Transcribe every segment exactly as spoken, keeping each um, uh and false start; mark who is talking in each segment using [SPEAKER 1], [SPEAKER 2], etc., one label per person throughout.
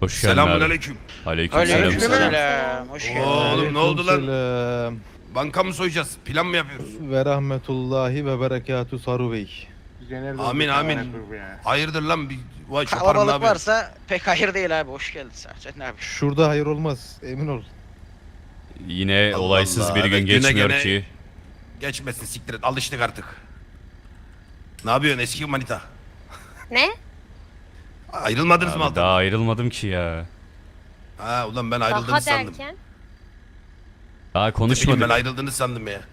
[SPEAKER 1] Hoş geldin
[SPEAKER 2] Selamun
[SPEAKER 1] abi.
[SPEAKER 2] aleyküm.
[SPEAKER 1] Aleykümselam.
[SPEAKER 3] Aleykümselam. Hoş geldin.
[SPEAKER 2] Oğlum ne oldu lan?
[SPEAKER 4] Aleykümselam.
[SPEAKER 2] Banka mı soyacağız? Plan mı yapıyoruz?
[SPEAKER 4] Ve rahmetullahi ve berekatü Saru Bey.
[SPEAKER 2] Amin amin. Hayırdır lan bir vay şoparım ne
[SPEAKER 3] Kalabalık
[SPEAKER 2] yapıyorsun?
[SPEAKER 3] varsa pek hayır değil abi. Hoş geldin sadece. Ne yapıyorsun?
[SPEAKER 4] Şurada hayır olmaz, emin ol.
[SPEAKER 1] Yine
[SPEAKER 2] Allah
[SPEAKER 1] olaysız
[SPEAKER 2] Allah,
[SPEAKER 1] bir gün
[SPEAKER 2] evet, güne
[SPEAKER 1] geçmiyor
[SPEAKER 2] gene-
[SPEAKER 1] ki.
[SPEAKER 2] Geçmesin siktir et alıştık artık. Ne yapıyorsun eski manita?
[SPEAKER 5] Ne?
[SPEAKER 2] Ayrılmadınız mı
[SPEAKER 1] Abi
[SPEAKER 2] altan?
[SPEAKER 1] daha ayrılmadım ki ya.
[SPEAKER 2] Ha ulan ben ayrıldığını
[SPEAKER 5] Daha
[SPEAKER 2] sandım.
[SPEAKER 5] derken?
[SPEAKER 1] Daha
[SPEAKER 2] Ne bileyim,
[SPEAKER 1] konuşmadık.
[SPEAKER 2] ben ayrıldığını sandım ya.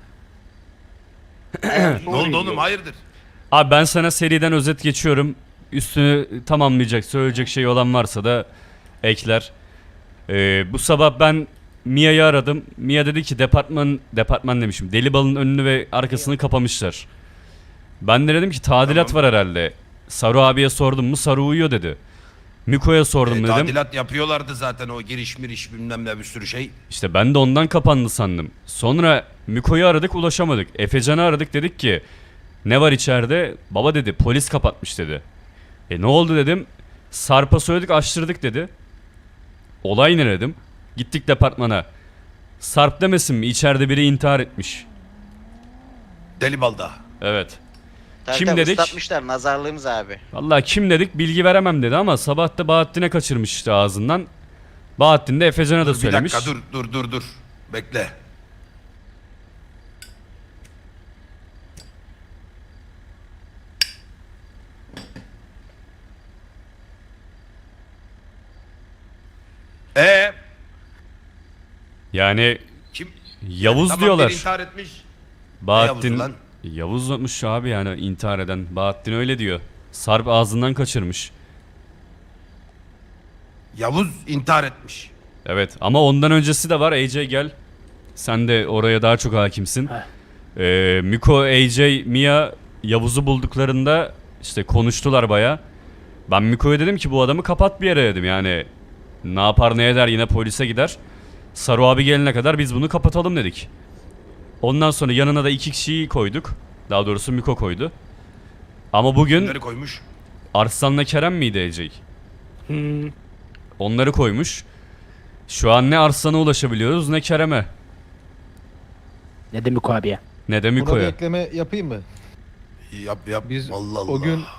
[SPEAKER 2] Ne oldu oğlum hayırdır?
[SPEAKER 1] Abi ben sana seriden özet geçiyorum. Üstünü tamamlayacak, söyleyecek şey olan varsa da ekler. Ee, bu sabah ben Mia'yı aradım. Mia dedi ki departman, departman demişim. Delibal'ın önünü ve arkasını kapamışlar. Ben de dedim ki tadilat
[SPEAKER 2] Tamam.
[SPEAKER 1] var herhalde. Saru abiye sordum mu? Saru uyuyor dedi. Miko'ya sordum
[SPEAKER 2] E,
[SPEAKER 1] dedim.
[SPEAKER 2] tadilat yapıyorlardı zaten o giriş miriş bilmem ne bir sürü şey.
[SPEAKER 1] İşte ben de ondan kapandı sandım. Sonra Miko'yu aradık ulaşamadık. Efecan'ı aradık dedik ki ne var içeride? Baba dedi polis kapatmış dedi. E ne oldu dedim. Sarp'a söyledik açtırdık dedi. Olay ne dedim. Gittik departmana. Sarp demesin mi içeride biri intihar etmiş.
[SPEAKER 2] Deli balda.
[SPEAKER 1] Evet.
[SPEAKER 3] Tabii
[SPEAKER 1] Kim
[SPEAKER 3] tabii,
[SPEAKER 1] dedik?
[SPEAKER 3] ıslatmışlar nazarlığımız abi.
[SPEAKER 1] Vallahi kim dedik bilgi veremem dedi ama sabah da Bahattin'e kaçırmış işte ağzından. Bahattin de Efecan'a da
[SPEAKER 2] Dur, bir
[SPEAKER 1] söylemiş.
[SPEAKER 2] dakika dur dur dur dur. Bekle. Ee,
[SPEAKER 1] Yani
[SPEAKER 2] kim?
[SPEAKER 1] Yavuz
[SPEAKER 2] Tamam,
[SPEAKER 1] diyorlar.
[SPEAKER 2] biri intihar etmiş.
[SPEAKER 1] Bahattin
[SPEAKER 2] Yavuz'u lan?
[SPEAKER 1] Yavuz'muş abi yani intihar eden. Bahattin öyle diyor. Sarp ağzından kaçırmış.
[SPEAKER 2] Yavuz intihar etmiş.
[SPEAKER 1] Evet ama ondan öncesi de var. A J gel. Sen de oraya daha çok hakimsin. Ee, Miko, A J, Mia Yavuz'u bulduklarında işte konuştular baya. Ben Miko'ya dedim ki bu adamı kapat bir yere dedim yani. Ne yapar ne eder yine polise gider. Saru abi gelene kadar biz bunu kapatalım dedik. Ondan sonra yanına da iki kişiyi koyduk. Daha doğrusu Miko koydu. Ama bugün
[SPEAKER 2] Kimleri koymuş?
[SPEAKER 1] Arslan'la Kerem miydi A J? Onları koymuş. Şu an ne Arslan'a ulaşabiliyoruz ne Kerem'e.
[SPEAKER 6] Ne demek o abiye?
[SPEAKER 1] Ne de
[SPEAKER 4] Buna bir
[SPEAKER 1] Miko'ya.
[SPEAKER 4] ekleme yapayım mı?
[SPEAKER 2] Yap yap.
[SPEAKER 4] Biz
[SPEAKER 2] Allah Allah.
[SPEAKER 4] o gün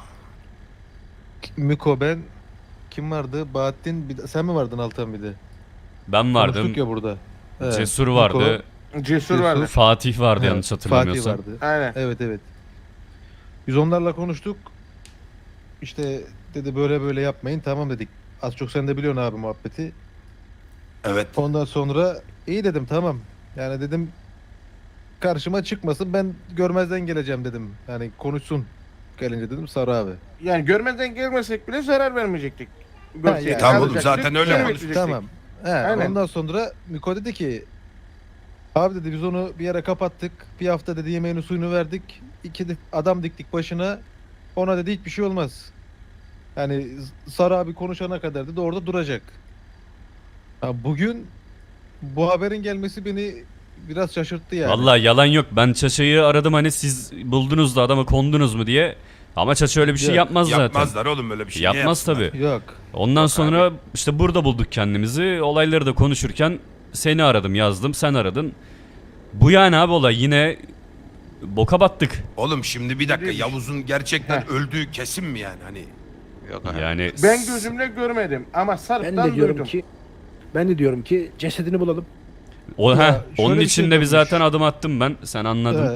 [SPEAKER 4] Miko, ben, kim vardı? Bahattin, bir de, sen mi vardın Altan bir de?
[SPEAKER 1] Ben vardım.
[SPEAKER 4] Konuştuk ya burada. Evet,
[SPEAKER 1] Cesur
[SPEAKER 4] Miko,
[SPEAKER 1] vardı.
[SPEAKER 7] Cesur vardı.
[SPEAKER 1] Fatih vardı
[SPEAKER 4] evet,
[SPEAKER 1] yanlış hatırlamıyorsam.
[SPEAKER 4] Fatih vardı.
[SPEAKER 7] Aynen.
[SPEAKER 4] Evet evet. Biz onlarla konuştuk. İşte dedi böyle böyle yapmayın, tamam dedik. Az çok sen de biliyorsun abi muhabbeti.
[SPEAKER 2] Evet.
[SPEAKER 4] Ondan sonra iyi dedim, tamam. Yani dedim karşıma çıkmasın, ben görmezden geleceğim dedim. Yani konuşsun gelince dedim Sarı abi.
[SPEAKER 7] Yani görmezden gelmesek bile zarar vermeyecektik. Görseydik,
[SPEAKER 4] yani.
[SPEAKER 2] Tamam oğlum,
[SPEAKER 7] alacaktık,
[SPEAKER 2] zaten öyle
[SPEAKER 7] geri
[SPEAKER 2] konuş-
[SPEAKER 7] bekleyecektik.
[SPEAKER 4] Tamam. He,
[SPEAKER 7] Aynen.
[SPEAKER 4] ondan sonra Miko dedi ki abi dedi biz onu bir yere kapattık. Bir hafta dedi yemeğini suyunu verdik. İki de adam diktik başına. Ona dedi hiçbir şey olmaz. Yani Sarı abi konuşana kadar dedi orada duracak. Ha, bugün bu haberin gelmesi beni biraz şaşırttı yani.
[SPEAKER 1] Vallahi yalan yok. Ben Çaça'yı aradım hani siz buldunuz da adama kondunuz mu diye. Ama Çaça öyle bir şey
[SPEAKER 4] Yok,
[SPEAKER 1] yapmaz zaten.
[SPEAKER 2] Yapmazlar oğlum öyle bir şey. Niye
[SPEAKER 1] Yapmaz
[SPEAKER 2] yapsınlar?
[SPEAKER 1] tabi.
[SPEAKER 4] Yok.
[SPEAKER 1] Ondan sonra işte burada bulduk kendimizi. Olayları da konuşurken seni aradım yazdım sen aradın. Bu yani abi olay yine boka battık.
[SPEAKER 2] Oğlum şimdi bir dakika
[SPEAKER 7] Değil.
[SPEAKER 2] Yavuz'un gerçekten
[SPEAKER 7] Heh.
[SPEAKER 2] öldüğü kesin mi yani hani?
[SPEAKER 3] Yok abi.
[SPEAKER 1] Yani
[SPEAKER 7] Ben gözümle görmedim ama
[SPEAKER 6] Ben
[SPEAKER 7] Sarp'tan
[SPEAKER 6] de diyorum
[SPEAKER 7] duydum.
[SPEAKER 6] ki ben de diyorum ki cesedini bulalım.
[SPEAKER 1] o
[SPEAKER 4] Ya,
[SPEAKER 1] heh,
[SPEAKER 4] şöyle
[SPEAKER 1] onun
[SPEAKER 4] bir
[SPEAKER 1] için
[SPEAKER 4] şey
[SPEAKER 1] de bir
[SPEAKER 4] dönmüş.
[SPEAKER 1] zaten adım attım ben. Sen anladın.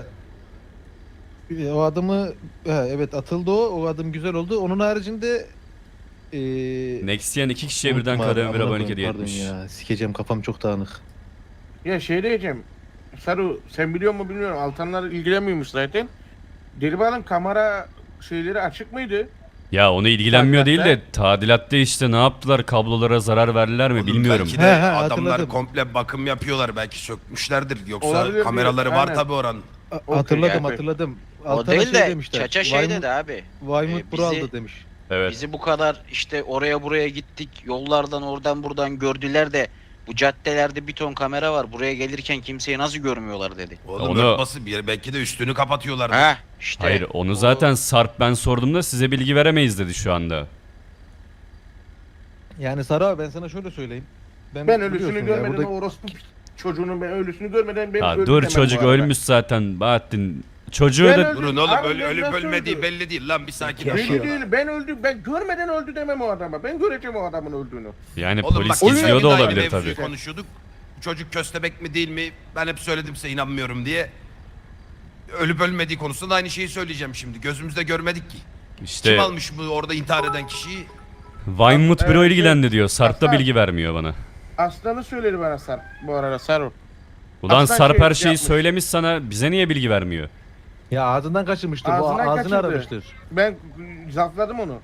[SPEAKER 4] He. O adımı he, evet atıldı o. O adım güzel oldu. Onun haricinde eee
[SPEAKER 1] Nextyen iki kişiye
[SPEAKER 4] unuttum
[SPEAKER 1] birden
[SPEAKER 4] abi,
[SPEAKER 1] kademe bir
[SPEAKER 4] amına
[SPEAKER 1] abonelik
[SPEAKER 4] koyayım,
[SPEAKER 1] hediye
[SPEAKER 4] pardon
[SPEAKER 1] etmiş.
[SPEAKER 4] ya. Sikeceğim, kafam çok dağınık.
[SPEAKER 7] Ya şey diyeceğim. Saru sen biliyor mu bilmiyorum. Altanlar ilgilenmiyormuş zaten. Delibal'ın kamera şeyleri açık mıydı?
[SPEAKER 1] Ya onu ilgilenmiyor değil
[SPEAKER 7] Tadilatta.
[SPEAKER 1] de tadilatta işte ne yaptılar kablolara zarar verdiler mi
[SPEAKER 2] Oğlum
[SPEAKER 1] bilmiyorum.
[SPEAKER 2] Belki de
[SPEAKER 4] He, he,
[SPEAKER 2] adamlar
[SPEAKER 4] hatırladım.
[SPEAKER 2] komple bakım yapıyorlar. Belki sökmüşlerdir. Yoksa
[SPEAKER 7] Olabilir,
[SPEAKER 2] kameraları var
[SPEAKER 7] aynen.
[SPEAKER 2] tabi oranın.
[SPEAKER 4] A-
[SPEAKER 7] Okey,
[SPEAKER 4] hatırladım
[SPEAKER 7] yani.
[SPEAKER 4] hatırladım.
[SPEAKER 3] O
[SPEAKER 4] Altına
[SPEAKER 3] değil
[SPEAKER 4] şey
[SPEAKER 3] de
[SPEAKER 4] demişler.
[SPEAKER 3] Çaça şey
[SPEAKER 4] Weymouth-
[SPEAKER 3] dedi abi.
[SPEAKER 4] Weymouth
[SPEAKER 3] Ee,
[SPEAKER 4] Pro
[SPEAKER 3] bizi-
[SPEAKER 4] aldı demiş.
[SPEAKER 1] Evet.
[SPEAKER 3] Bizi bu kadar işte oraya buraya gittik. Yollardan oradan buradan gördüler de bu caddelerde bir ton kamera var. Buraya gelirken kimseyi nasıl görmüyorlar dedi.
[SPEAKER 2] Oğlum
[SPEAKER 1] Onu-
[SPEAKER 2] örtbası bir yer. Belki de üstünü kapatıyorlar.
[SPEAKER 3] Ha işte.
[SPEAKER 1] Hayır onu
[SPEAKER 3] o-
[SPEAKER 1] zaten Sarp ben sorduğumda size bilgi veremeyiz dedi şu anda.
[SPEAKER 4] Yani Sarı abi ben sana şöyle söyleyeyim.
[SPEAKER 7] Ben
[SPEAKER 4] biliyorsun
[SPEAKER 7] ölüsünü
[SPEAKER 4] ya,
[SPEAKER 7] görmeden
[SPEAKER 4] burada-
[SPEAKER 7] o orospu çocuğunun ben ölüsünü görmeden ben
[SPEAKER 1] Ya
[SPEAKER 7] öldü
[SPEAKER 1] dur
[SPEAKER 7] demem
[SPEAKER 1] çocuk
[SPEAKER 7] bu arada.
[SPEAKER 1] ölmüş zaten Bahattin. Çocuğu
[SPEAKER 7] Ben
[SPEAKER 1] da
[SPEAKER 7] öldüm.
[SPEAKER 2] Durun oğlum
[SPEAKER 7] Abi
[SPEAKER 2] öl,
[SPEAKER 7] ben
[SPEAKER 2] ölüp
[SPEAKER 7] nasıl
[SPEAKER 2] ölmediği
[SPEAKER 7] öldü?
[SPEAKER 2] belli değil lan bir sakin ol.
[SPEAKER 6] Yaşıyor.
[SPEAKER 7] Belli değil. Ben öldüm. Ben görmeden öldü demem o adama. Ben göreceğim o adamın öldüğünü.
[SPEAKER 1] yani
[SPEAKER 2] Oğlum
[SPEAKER 1] polis
[SPEAKER 2] bak
[SPEAKER 7] oyun
[SPEAKER 1] izliyor da
[SPEAKER 2] geçen gün
[SPEAKER 1] olabilir
[SPEAKER 2] aynı
[SPEAKER 1] tabii.
[SPEAKER 2] mevzuyu konuşuyorduk. Bu çocuk köstebek mi değil mi? Ben hep söyledim size inanmıyorum diye. Ölüp ölmediği konusunda da aynı şeyi söyleyeceğim şimdi. Gözümüzde görmedik ki.
[SPEAKER 1] İşte
[SPEAKER 2] Kim almış bu orada intihar eden kişiyi?
[SPEAKER 1] Vinewood büro
[SPEAKER 7] Evet,
[SPEAKER 1] ilgilendi diyor. Sarp da
[SPEAKER 7] Aslan.
[SPEAKER 1] bilgi vermiyor bana.
[SPEAKER 7] Aslanı söyledi bana Sarp bu arada Sarp.
[SPEAKER 1] Ulan
[SPEAKER 7] Aslan
[SPEAKER 1] Sarp
[SPEAKER 7] şey
[SPEAKER 1] her şeyi
[SPEAKER 7] yapmış.
[SPEAKER 1] söylemiş sana. Bize niye bilgi vermiyor?
[SPEAKER 4] Ya ağzından kaçırmıştır. Bu
[SPEAKER 7] Ağzından
[SPEAKER 4] ağzını
[SPEAKER 7] kaçırdı.
[SPEAKER 4] aramıştır.
[SPEAKER 7] Ben zafladım onu.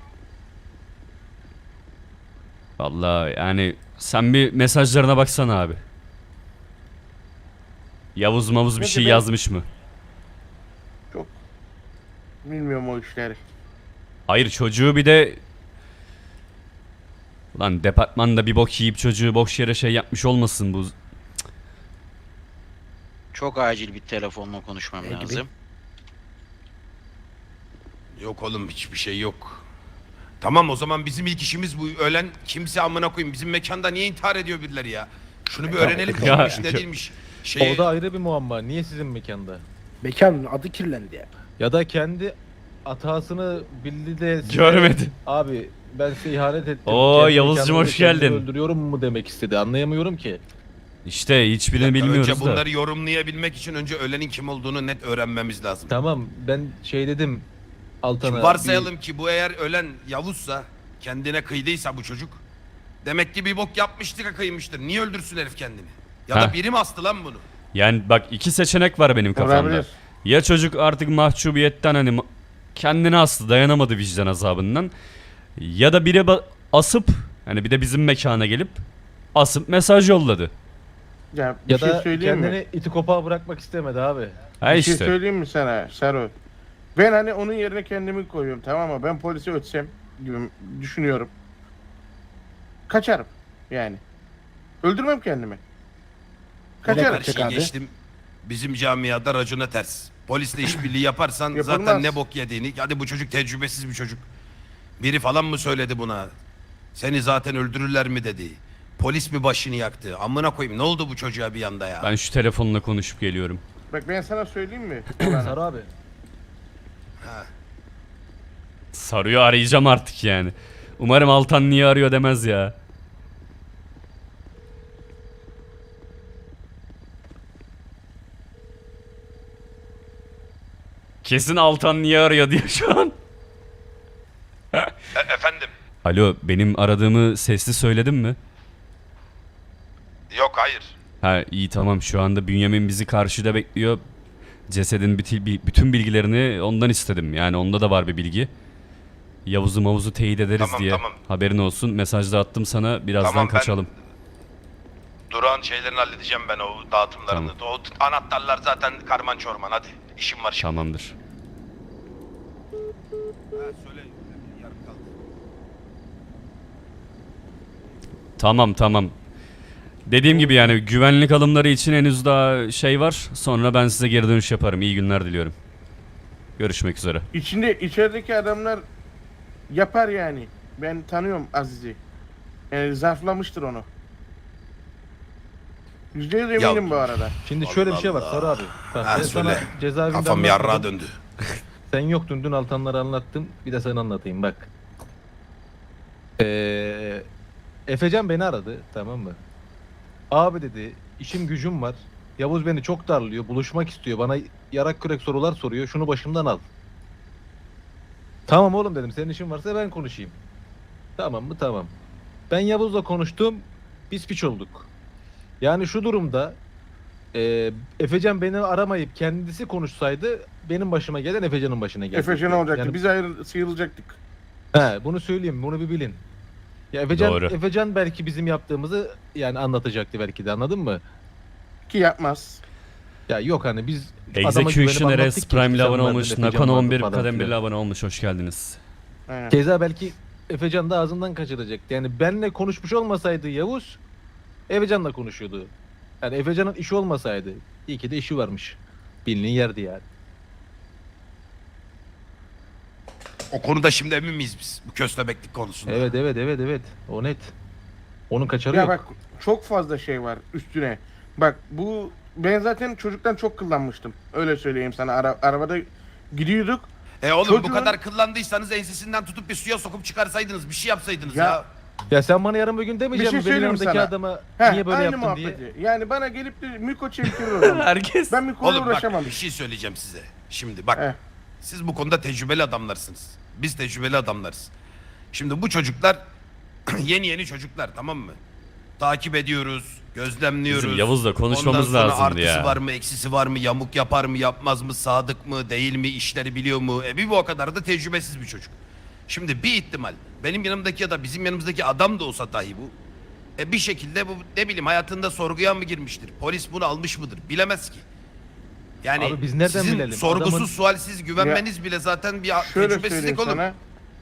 [SPEAKER 1] Vallahi yani sen bir mesajlarına baksana abi. Yavuz mavuz bir
[SPEAKER 7] Peki
[SPEAKER 1] şey
[SPEAKER 7] ben-
[SPEAKER 1] yazmış mı?
[SPEAKER 7] Bilmiyorum o işleri.
[SPEAKER 1] Hayır çocuğu bir de... Ulan departmanda bir bok yiyip çocuğu boş yere şey yapmış olmasın bu.
[SPEAKER 3] Çok acil bir telefonla konuşmam
[SPEAKER 6] Ne gibi?
[SPEAKER 3] lazım.
[SPEAKER 2] Yok oğlum hiçbir şey yok. Tamam o zaman bizim ilk işimiz bu ölen kimse amına koyayım. Bizim mekanda niye intihar ediyor birileri ya? Şunu bir öğrenelim
[SPEAKER 1] Ya-
[SPEAKER 2] kimmiş ne değilmiş. Şey,
[SPEAKER 4] O da ayrı bir muamma. Niye sizin mekanda?
[SPEAKER 6] Mekanın adı kirlendi ya.
[SPEAKER 4] Ya da kendi hatasını bildi de size-
[SPEAKER 1] Görmedi.
[SPEAKER 4] Abi ben size ihanet ettim.
[SPEAKER 1] Oo,
[SPEAKER 4] Kendi
[SPEAKER 1] Yavuzcuğum,
[SPEAKER 4] mekanımda
[SPEAKER 1] hoş
[SPEAKER 4] kendimi
[SPEAKER 1] geldin.
[SPEAKER 4] öldürüyorum mu demek istedi. Anlayamıyorum ki.
[SPEAKER 1] İşte hiçbirini bilmiyoruz
[SPEAKER 2] önce
[SPEAKER 1] da.
[SPEAKER 2] bunları yorumlayabilmek için önce ölenin kim olduğunu net öğrenmemiz lazım.
[SPEAKER 4] Tamam ben şey dedim Altan'a.
[SPEAKER 2] Şimdi varsayalım ki bu eğer ölen Yavuzsa, kendine kıydıysa bu çocuk. Demek ki bir bok yapmıştır ha kıymıştır. Niye öldürsün herif kendini? Ya da
[SPEAKER 1] Heh.
[SPEAKER 2] biri mi astı lan bunu?
[SPEAKER 1] Yani bak iki seçenek var benim kafamda.
[SPEAKER 7] Olabilir.
[SPEAKER 1] Ya çocuk artık mahcubiyetten hani ma- kendini astı, dayanamadı vicdan azabından. Ya da biri ba- asıp hani bir de bizim mekana gelip asıp mesaj yolladı.
[SPEAKER 7] Ya bir
[SPEAKER 4] Ya
[SPEAKER 7] şey
[SPEAKER 4] da
[SPEAKER 7] söyleyeyim
[SPEAKER 4] kendini
[SPEAKER 7] mi?
[SPEAKER 4] iti kopağa bırakmak istemedi abi.
[SPEAKER 1] Ha
[SPEAKER 7] Bir şey
[SPEAKER 1] işte.
[SPEAKER 7] söyleyeyim mi sana Sarı? Ben hani onun yerine kendimi koyuyorum tamam mı? Ben polisi ötsem gibi düşünüyorum. Kaçarım yani. Öldürmem kendimi. Kaçarım.
[SPEAKER 2] Her
[SPEAKER 6] Çek
[SPEAKER 2] şeyi
[SPEAKER 6] abi.
[SPEAKER 2] geçtim. Bizim camiada racona ters. Polisle işbirliği yaparsan
[SPEAKER 7] Yapılmaz.
[SPEAKER 2] zaten ne bok yediğini. Hadi bu çocuk tecrübesiz bir çocuk. Biri falan mı söyledi buna? Seni zaten öldürürler mi dedi. Polis mi başını yaktı? Amına koyayım ne oldu bu çocuğa bir anda ya?
[SPEAKER 1] Ben şu telefonla konuşup geliyorum.
[SPEAKER 7] Bak ben sana söyleyeyim mi?
[SPEAKER 4] Sarı abi.
[SPEAKER 1] Sarıyor arayacağım artık yani. Umarım Altan niye arıyor demez ya. Kesin Altan niye arıyor diyor şu an.
[SPEAKER 2] E- efendim?
[SPEAKER 1] Alo benim aradığımı sesli söyledim mi?
[SPEAKER 2] Yok hayır.
[SPEAKER 1] Ha iyi tamam şu anda Bünyamin bizi karşıda bekliyor. Cesedin biti- bi- bütün bilgilerini ondan istedim. Yani onda da var bir bilgi. Yavuz'u mavuzu teyit ederiz
[SPEAKER 2] Tamam,
[SPEAKER 1] diye.
[SPEAKER 2] tamam.
[SPEAKER 1] Haberin olsun. Mesajda attım sana. Birazdan
[SPEAKER 2] Tamam, ben-
[SPEAKER 1] kaçalım.
[SPEAKER 2] Durağın şeylerini halledeceğim ben o dağıtımlarını. O t- anahtarlar zaten karman çorman hadi. İşim var şimdi.
[SPEAKER 1] Tamamdır.
[SPEAKER 2] Ha, söyle. Yarım kaldı.
[SPEAKER 1] Tamam tamam. Dediğim gibi yani güvenlik alımları için henüz daha şey var. Sonra ben size geri dönüş yaparım. İyi günler diliyorum. Görüşmek üzere.
[SPEAKER 7] İçinde içerideki adamlar yapar yani. Ben tanıyorum Aziz'i. Yani zarflamıştır onu. Yüzde yüz eminim
[SPEAKER 2] Ya-
[SPEAKER 7] bu arada.
[SPEAKER 4] Şimdi şöyle bir şey var
[SPEAKER 2] Allah.
[SPEAKER 4] Sarı abi. Bak,
[SPEAKER 2] Ha,
[SPEAKER 4] ben
[SPEAKER 2] söyle.
[SPEAKER 4] sana cezaevinde
[SPEAKER 2] Kafam
[SPEAKER 4] anlatmadım.
[SPEAKER 2] yarrağa döndü.
[SPEAKER 4] Sen yoktun dün Altanları anlattım. Bir de sana anlatayım bak. Ee, Efecan beni aradı tamam mı? Abi dedi işim gücüm var. Yavuz beni çok darlıyor. Buluşmak istiyor. Bana yarak kürek sorular soruyor. Şunu başımdan al. Tamam oğlum dedim. Senin işin varsa ben konuşayım. Tamam mı? Tamam. Ben Yavuz'la konuştum. Biz piç olduk. Yani şu durumda e, Efecan beni aramayıp kendisi konuşsaydı benim başıma gelen Efecan'ın başına geldi.
[SPEAKER 7] Efecan olacaktı.
[SPEAKER 4] Yani-
[SPEAKER 7] Biz ayrı sıyrılacaktık.
[SPEAKER 4] He, bunu söyleyeyim, bunu bir bilin. Ya Efecan,
[SPEAKER 1] Doğru.
[SPEAKER 4] Efecan belki bizim yaptığımızı yani anlatacaktı belki de anladın mı?
[SPEAKER 7] Ki yapmaz.
[SPEAKER 4] Ya yok hani biz adama güvenip
[SPEAKER 1] Execution
[SPEAKER 4] anlattık
[SPEAKER 1] R S
[SPEAKER 4] ki
[SPEAKER 1] Prime ile
[SPEAKER 4] Efecan
[SPEAKER 1] abone
[SPEAKER 4] vardı,
[SPEAKER 1] olmuş.
[SPEAKER 4] Efecan
[SPEAKER 1] Nakon
[SPEAKER 4] vardı
[SPEAKER 1] on bir
[SPEAKER 4] falan
[SPEAKER 1] kadem
[SPEAKER 4] filan.
[SPEAKER 1] bir abone olmuş. Hoş geldiniz.
[SPEAKER 7] Aynen.
[SPEAKER 4] Keza belki Efecan da ağzından kaçıracaktı. Yani benle konuşmuş olmasaydı Yavuz, Efecan'la konuşuyordu. Yani Efecan'ın işi olmasaydı, iyi ki de işi varmış. Bilinin yerdi yani.
[SPEAKER 2] O konuda şimdi emin miyiz biz? Bu köstebeklik konusunda.
[SPEAKER 4] Evet evet evet evet, o net. Onun kaçarı
[SPEAKER 7] Ya
[SPEAKER 4] yok.
[SPEAKER 7] bak çok fazla şey var üstüne. Bak bu ben zaten çocuktan çok kullanmıştım. Öyle söyleyeyim sana. Ara, arabada gidiyorduk.
[SPEAKER 2] E oğlum bu
[SPEAKER 7] Çocuğun-
[SPEAKER 2] kadar kıllandıysanız ensesinden tutup bir suya sokup çıkarsaydınız. Bir şey yapsaydınız ya.
[SPEAKER 7] Ya-
[SPEAKER 4] Ya sen bana yarın bir gün demeyecek
[SPEAKER 7] şey
[SPEAKER 4] misin benim
[SPEAKER 7] söyleyeyim
[SPEAKER 4] yanımdaki
[SPEAKER 7] sana.
[SPEAKER 4] adama
[SPEAKER 7] Heh,
[SPEAKER 4] niye böyle
[SPEAKER 7] aynı
[SPEAKER 4] yaptın diye?
[SPEAKER 7] muhabbeti. Yani bana gelip de Miko çekiyor oradan.
[SPEAKER 1] Herkes.
[SPEAKER 7] Ben Miko'yla
[SPEAKER 2] Oğlum bak
[SPEAKER 7] uğraşamam.
[SPEAKER 2] bir şey söyleyeceğim size. Şimdi bak
[SPEAKER 7] Heh.
[SPEAKER 2] siz bu konuda tecrübeli adamlarsınız. Biz tecrübeli adamlarız. Şimdi bu çocuklar yeni yeni çocuklar, tamam mı? Takip ediyoruz, gözlemliyoruz.
[SPEAKER 1] Bizim Yavuz'la konuşmamız
[SPEAKER 2] Ondan sonra
[SPEAKER 1] lazımdı
[SPEAKER 2] artısı
[SPEAKER 1] ya.
[SPEAKER 2] var mı, eksisi var mı, yamuk yapar mı, yapmaz mı, sadık mı, değil mi, işleri biliyor mu? E bir bu o kadar da tecrübesiz bir çocuk. Şimdi bir ihtimal benim yanımdaki ya da bizim yanımızdaki adam da olsa dahi bu. E bir şekilde bu ne bileyim hayatında sorguya mı girmiştir? Polis bunu almış mıdır? Bilemez ki. Yani
[SPEAKER 4] Abi biz nereden
[SPEAKER 2] sizin
[SPEAKER 4] bilelim?
[SPEAKER 2] sorgusuz
[SPEAKER 4] Adamın-
[SPEAKER 2] sualsiz güvenmeniz bile zaten bir
[SPEAKER 7] Şöyle söyleyeyim
[SPEAKER 2] tecrübesizlik oğlum.
[SPEAKER 7] sana.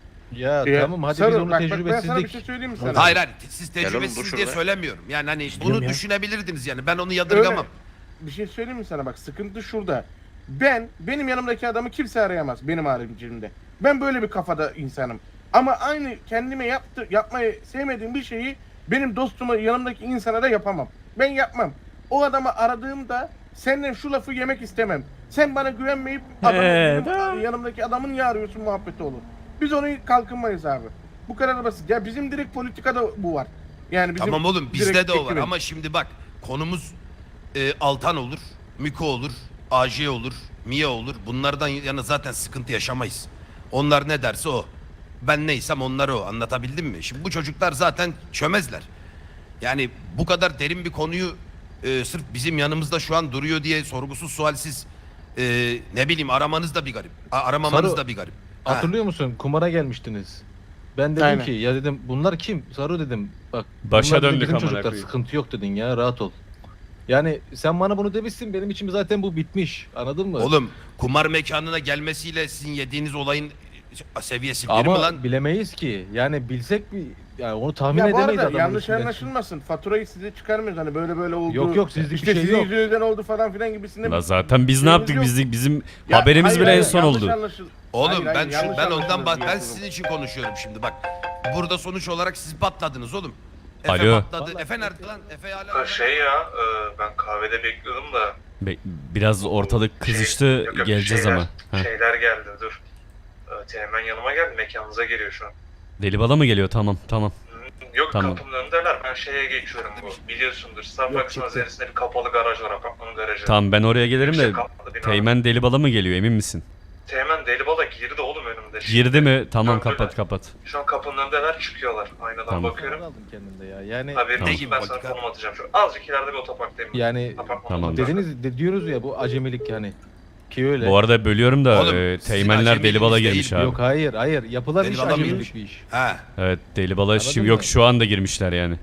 [SPEAKER 4] Ya
[SPEAKER 7] Ya,
[SPEAKER 4] tamam hadi
[SPEAKER 7] Sarı,
[SPEAKER 4] biz onu
[SPEAKER 7] bak, bak, ben sana bir
[SPEAKER 4] tecrübesizlik.
[SPEAKER 7] şey söyleyeyim mi sana?
[SPEAKER 2] Hayır hayır siz
[SPEAKER 3] Gel oğlum, dur
[SPEAKER 2] tecrübesiz diye
[SPEAKER 3] şurada.
[SPEAKER 2] söylemiyorum. Yani hani
[SPEAKER 6] İstiyorum
[SPEAKER 2] bunu
[SPEAKER 6] ya.
[SPEAKER 2] düşünebilirdiniz yani ben onu yadırgamam.
[SPEAKER 7] Öyle. Bir şey söyleyeyim mi sana bak sıkıntı şurada. Ben benim yanımdaki adamı kimse arayamaz benim haricimde. Ben böyle bir kafada insanım. Ama aynı kendime yaptı yapmayı sevmediğim bir şeyi benim dostuma yanımdaki insana da yapamam. Ben yapmam. O adamı aradığımda senden şu lafı yemek istemem. Sen bana güvenmeyip adamı,
[SPEAKER 1] He,
[SPEAKER 7] benim yanımdaki adamı niye arıyorsun muhabbeti olur. Biz onu kalkınmayız abi. Bu kadar basit. Ya bizim direkt politikada bu var. Yani bizim
[SPEAKER 2] Tamam oğlum bizde
[SPEAKER 7] direkt
[SPEAKER 2] de o var
[SPEAKER 7] ekibin.
[SPEAKER 2] ama şimdi bak konumuz e, Altan olur, Miko olur, A J olur, Mia olur. Bunlardan yana zaten sıkıntı yaşamayız. Onlar ne derse o. Ben neysem onlar o. Anlatabildim mi? Şimdi bu çocuklar zaten çömezler. Yani bu kadar derin bir konuyu e, sırf bizim yanımızda şu an duruyor diye sorgusuz sualsiz e, ne bileyim aramanız da bir garip. A- aramamanız
[SPEAKER 4] Sarı,
[SPEAKER 2] da bir garip. Ha.
[SPEAKER 4] Hatırlıyor musun? Kumara gelmiştiniz. Ben dedim
[SPEAKER 7] Aynen.
[SPEAKER 4] ki ya dedim bunlar kim? Saru dedim. Bak
[SPEAKER 1] Başa
[SPEAKER 4] bunlar dedim,
[SPEAKER 1] döndük
[SPEAKER 4] bizim
[SPEAKER 1] amına
[SPEAKER 4] çocuklar
[SPEAKER 1] koyayım.
[SPEAKER 4] sıkıntı yok dedin ya rahat ol. Yani sen bana bunu demişsin benim için zaten bu bitmiş. Anladın mı?
[SPEAKER 2] Oğlum kumar mekanına gelmesiyle sizin yediğiniz olayın seviyesi bir mi
[SPEAKER 4] Ama
[SPEAKER 2] lan?
[SPEAKER 4] bilemeyiz ki. Yani bilsek bir yani onu tahmin
[SPEAKER 7] Ya bu
[SPEAKER 4] edemeyiz
[SPEAKER 7] arada
[SPEAKER 4] adamın
[SPEAKER 7] yanlış
[SPEAKER 4] içinden.
[SPEAKER 7] anlaşılmasın. Faturayı size çıkarmıyoruz hani böyle böyle oldu.
[SPEAKER 4] Yok, yok, sizlik bir
[SPEAKER 7] işte
[SPEAKER 4] şey
[SPEAKER 7] sizin
[SPEAKER 4] yok.
[SPEAKER 7] yüzünüzden oldu falan filan gibisinden.
[SPEAKER 1] La zaten biz ne
[SPEAKER 7] Şeyimiz
[SPEAKER 1] yaptık?
[SPEAKER 7] yok.
[SPEAKER 1] Bizim, bizim
[SPEAKER 7] Ya,
[SPEAKER 1] haberimiz
[SPEAKER 7] hayır,
[SPEAKER 1] bile en
[SPEAKER 7] hayır,
[SPEAKER 1] son
[SPEAKER 7] yanlış
[SPEAKER 1] oldu.
[SPEAKER 7] anlaşıl-
[SPEAKER 2] Oğlum
[SPEAKER 7] Hayır, hayır,
[SPEAKER 2] ben şu,
[SPEAKER 7] yanlış
[SPEAKER 2] ben ondan
[SPEAKER 7] anlaşıldı
[SPEAKER 2] bak
[SPEAKER 7] diye
[SPEAKER 2] ben
[SPEAKER 7] diyorum.
[SPEAKER 2] sizin için konuşuyorum şimdi bak. Burada sonuç olarak siz patladınız oğlum. Efe
[SPEAKER 1] Alo.
[SPEAKER 2] patladı.
[SPEAKER 4] Vallahi-
[SPEAKER 2] Efe nerede lan? Efe hala
[SPEAKER 5] Ha, Şey ya, e, ben kahvede bekliyordum da
[SPEAKER 1] Be- biraz ortalık kızıştı.
[SPEAKER 5] Şey, yok, yok,
[SPEAKER 1] Geleceğiz
[SPEAKER 5] şeyler,
[SPEAKER 1] ama. Ha.
[SPEAKER 5] Şeyler geldi dur. E, Teğmen yanıma geldi, mekanınıza geliyor şu an.
[SPEAKER 1] Deli bala mı geliyor? Tamam tamam.
[SPEAKER 5] Yok
[SPEAKER 1] Tamam.
[SPEAKER 5] kapımın önündeler, ben şeye geçiyorum bu. Biliyorsundur, Starbucks'ın
[SPEAKER 7] çıktı.
[SPEAKER 5] üzerinde bir kapalı garaj var, apartmanın garajı.
[SPEAKER 1] Tamam ben oraya gelirim de
[SPEAKER 5] Yüksek katlı bina.
[SPEAKER 1] Teğmen deli bala mı geliyor emin misin?
[SPEAKER 5] Teğmen deli bala girdi oğlum önümde.
[SPEAKER 1] Girdi mi? Tamam
[SPEAKER 5] Döndüler.
[SPEAKER 1] kapat kapat.
[SPEAKER 5] Şu an kapının önündeler, çıkıyorlar. Aynadan
[SPEAKER 1] Tamam.
[SPEAKER 5] bakıyorum.
[SPEAKER 4] aldım kendimde ya. Yani
[SPEAKER 5] Haberin
[SPEAKER 1] Tamam.
[SPEAKER 5] olsun, ben sana
[SPEAKER 2] Politika.
[SPEAKER 5] konum atacağım şu an. Azıcık ileride bir otoparktayım.
[SPEAKER 4] yani
[SPEAKER 5] Apartmanın
[SPEAKER 1] Tamam.
[SPEAKER 5] otoparkı.
[SPEAKER 4] dediniz de, diyoruz ya bu acemilik yani. Ki öyle.
[SPEAKER 1] Bu arada bölüyorum da
[SPEAKER 2] Oğlum,
[SPEAKER 1] e,
[SPEAKER 2] sizin
[SPEAKER 1] teğmenler deli bala
[SPEAKER 2] acemiliğiniz
[SPEAKER 1] girmiş
[SPEAKER 2] değil,
[SPEAKER 1] abi.
[SPEAKER 4] Yok hayır hayır yapılan
[SPEAKER 2] Deli
[SPEAKER 4] iş
[SPEAKER 2] bala
[SPEAKER 4] acemilik
[SPEAKER 2] mıymış?
[SPEAKER 4] bir iş.
[SPEAKER 2] Ha.
[SPEAKER 1] Evet deli bala
[SPEAKER 4] Anladın
[SPEAKER 1] şimdi
[SPEAKER 4] mı?
[SPEAKER 1] yok şu anda girmişler yani.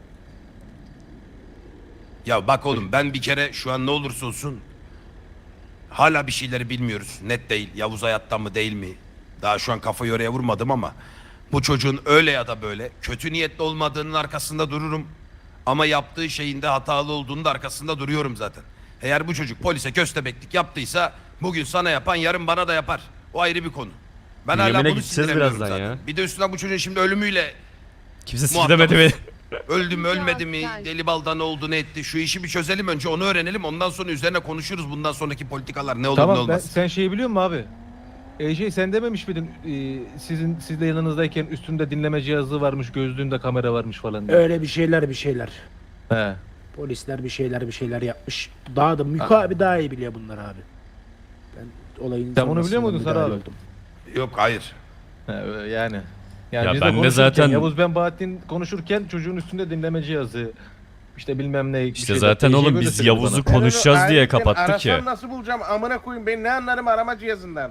[SPEAKER 2] Ya bak oğlum ben bir kere şu an ne olursa olsun hala bir şeyleri bilmiyoruz. Net değil. Yavuz hayatta mı değil mi? Daha şu an kafayı oraya vurmadım ama bu çocuğun öyle ya da böyle kötü niyetli olmadığının arkasında dururum. Ama yaptığı şeyin de hatalı olduğunun da arkasında duruyorum zaten. Eğer bu çocuk polise köstebeklik yaptıysa bugün sana yapan yarın bana da yapar. O ayrı bir konu. Ben hala
[SPEAKER 1] Yemin'e
[SPEAKER 2] bunu
[SPEAKER 1] gideceğiz
[SPEAKER 2] sindiremiyorum
[SPEAKER 1] birazdan
[SPEAKER 2] zaten.
[SPEAKER 1] ya.
[SPEAKER 2] Bir de üstüne bu çocuğun şimdi ölümüyle
[SPEAKER 1] Kimse
[SPEAKER 2] Muhatabız.
[SPEAKER 1] sinirlemedi beni.
[SPEAKER 2] öldü mü ölmedi mi,
[SPEAKER 8] Ya,
[SPEAKER 2] deli balda ne oldu ne etti şu işi bir çözelim önce onu öğrenelim ondan sonra üzerine konuşuruz bundan sonraki politikalar ne olur ne
[SPEAKER 4] Tamam ben,
[SPEAKER 2] olmaz.
[SPEAKER 4] sen şeyi biliyor musun abi? E şey sen dememiş miydin e, sizin sizle yanınızdayken üstünde dinleme cihazı varmış gözlüğünde kamera varmış falan diye.
[SPEAKER 6] Öyle bir şeyler bir şeyler.
[SPEAKER 4] He.
[SPEAKER 6] Polisler bir şeyler bir şeyler yapmış. Daha da Miko abi daha iyi biliyor bunları abi. Ben olayın
[SPEAKER 4] Sen bunu biliyor
[SPEAKER 6] sonrasında
[SPEAKER 4] muydun Sarı
[SPEAKER 6] müdahale
[SPEAKER 4] abi?
[SPEAKER 6] oldum.
[SPEAKER 2] Yok hayır.
[SPEAKER 4] He, öyle yani. Yani
[SPEAKER 1] Ya
[SPEAKER 4] biz
[SPEAKER 1] ben de
[SPEAKER 4] konuşurken,
[SPEAKER 1] zaten-
[SPEAKER 4] Yavuz ben Bahattin konuşurken çocuğun üstünde dinleme cihazı işte bilmem ne. bir
[SPEAKER 1] İşte
[SPEAKER 4] şeyler,
[SPEAKER 1] zaten
[SPEAKER 4] bir şey
[SPEAKER 1] oğlum
[SPEAKER 4] böyle
[SPEAKER 1] biz
[SPEAKER 4] söyledi
[SPEAKER 1] Yavuz'u
[SPEAKER 4] bana.
[SPEAKER 1] konuşacağız
[SPEAKER 7] Ben onu
[SPEAKER 1] diye
[SPEAKER 7] ayrıca
[SPEAKER 1] kapattık ya.
[SPEAKER 7] arasam nasıl bulacağım amına koyayım ben ne anlarım arama cihazından.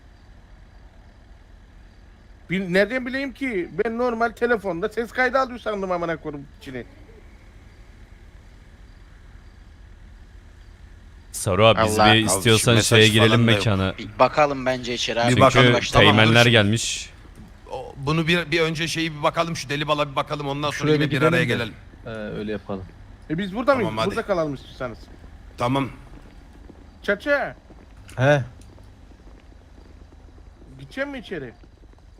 [SPEAKER 7] Bil, nereden bileyim ki ben normal telefonda ses kaydı alıyor sandım amına koyayım içine.
[SPEAKER 1] Saru abi biz
[SPEAKER 3] Allah,
[SPEAKER 1] bir
[SPEAKER 3] al
[SPEAKER 1] istiyorsan
[SPEAKER 2] şu mesaj
[SPEAKER 1] şeye girelim
[SPEAKER 2] falan da yok.
[SPEAKER 1] mekana.
[SPEAKER 3] Bir bakalım bence içeri abi.
[SPEAKER 2] Bir bakalım.
[SPEAKER 1] Çünkü
[SPEAKER 3] Başlama.
[SPEAKER 1] teğmenler
[SPEAKER 2] Tamam.
[SPEAKER 1] gelmiş.
[SPEAKER 2] O- Bunu bir, bir önce şeyi bir bakalım şu deli bala bir bakalım ondan sonra
[SPEAKER 4] Şuraya
[SPEAKER 2] yine
[SPEAKER 4] bir
[SPEAKER 2] bir
[SPEAKER 4] gidelim
[SPEAKER 2] araya
[SPEAKER 4] de.
[SPEAKER 2] gelelim.
[SPEAKER 4] He, öyle yapalım.
[SPEAKER 7] E biz burada
[SPEAKER 2] Tamam,
[SPEAKER 7] mıyız?
[SPEAKER 2] hadi.
[SPEAKER 7] Burada kalalım istiyorsanız.
[SPEAKER 2] Tamam.
[SPEAKER 7] Çaça
[SPEAKER 4] He.
[SPEAKER 7] gideceğim mi içeri?